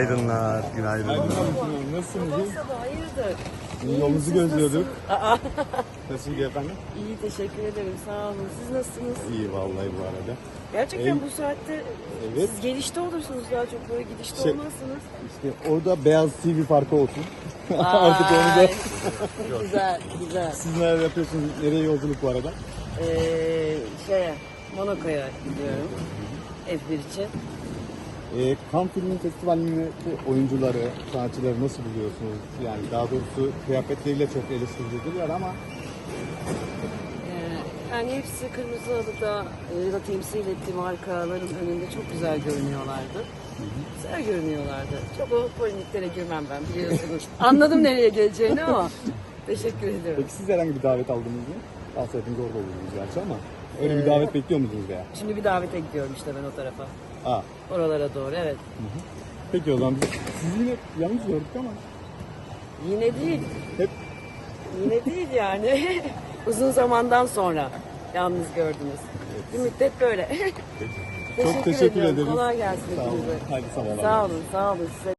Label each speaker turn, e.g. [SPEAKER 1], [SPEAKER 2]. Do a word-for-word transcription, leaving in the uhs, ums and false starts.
[SPEAKER 1] Günaydınlar, günaydınlar.
[SPEAKER 2] Nasılsınız?
[SPEAKER 3] Sabah sabah hayırdır?
[SPEAKER 2] İyi, yolunuzu
[SPEAKER 3] siz
[SPEAKER 2] gözlüyorduk.
[SPEAKER 3] nasılsınız? Aa,
[SPEAKER 2] Nasıl gidiyor efendim?
[SPEAKER 3] İyi teşekkür ederim sağ olun. Siz nasılsınız?
[SPEAKER 2] İyi vallahi bu arada.
[SPEAKER 3] Gerçekten
[SPEAKER 2] Ey-
[SPEAKER 3] bu saatte
[SPEAKER 2] Evet.
[SPEAKER 3] siz gelişte olursunuz daha çok böyle gidişte
[SPEAKER 2] Şey-
[SPEAKER 3] olmazsınız.
[SPEAKER 2] İşte orada beyaz T V farkı olsun. Artık onu da.
[SPEAKER 3] Ay, güzel güzel.
[SPEAKER 2] Siz neler yapıyorsunuz? Nereye yolculuk bu arada?
[SPEAKER 3] Ee, şeye Monaco'ya gidiyorum F bir için.
[SPEAKER 2] Ee, Cannes Film Festivali'ndeki oyuncuları, sanatçıları nasıl buluyorsunuz? Yani daha doğrusu kıyafetleriyle çok eleştiriliyorlar ama
[SPEAKER 3] Ee, yani hepsi kırmızı halıda e, ya da temsil ettiği markaların önünde çok güzel görünüyorlardı. Güzel görünüyorlardı. Çok o polemiklere girmem ben biliyorsunuz. Anladım nereye geleceğini ama teşekkür ederim.
[SPEAKER 2] peki siz herhangi bir davet aldınız mı? Aslında hepiniz orada olurdunuz gerçi ama öyle bir davet bekliyor musunuz veya?
[SPEAKER 3] Şimdi bir davete gidiyorum işte ben o tarafa.
[SPEAKER 2] Aa,
[SPEAKER 3] Oralara doğru evet.
[SPEAKER 2] peki o zaman biz sizi yine yalnız gördük ama
[SPEAKER 3] Yine değil.
[SPEAKER 2] hep
[SPEAKER 3] Yine değil yani. Uzun zamandan sonra yalnız gördünüz. Bir müddet böyle.
[SPEAKER 2] çok teşekkür
[SPEAKER 3] ediyorum.
[SPEAKER 2] ederiz.
[SPEAKER 3] Kolay gelsin
[SPEAKER 2] Sağ olun.
[SPEAKER 3] hepinize.
[SPEAKER 2] Haydi sabahlar.
[SPEAKER 3] Sağ olun, sağ olun size.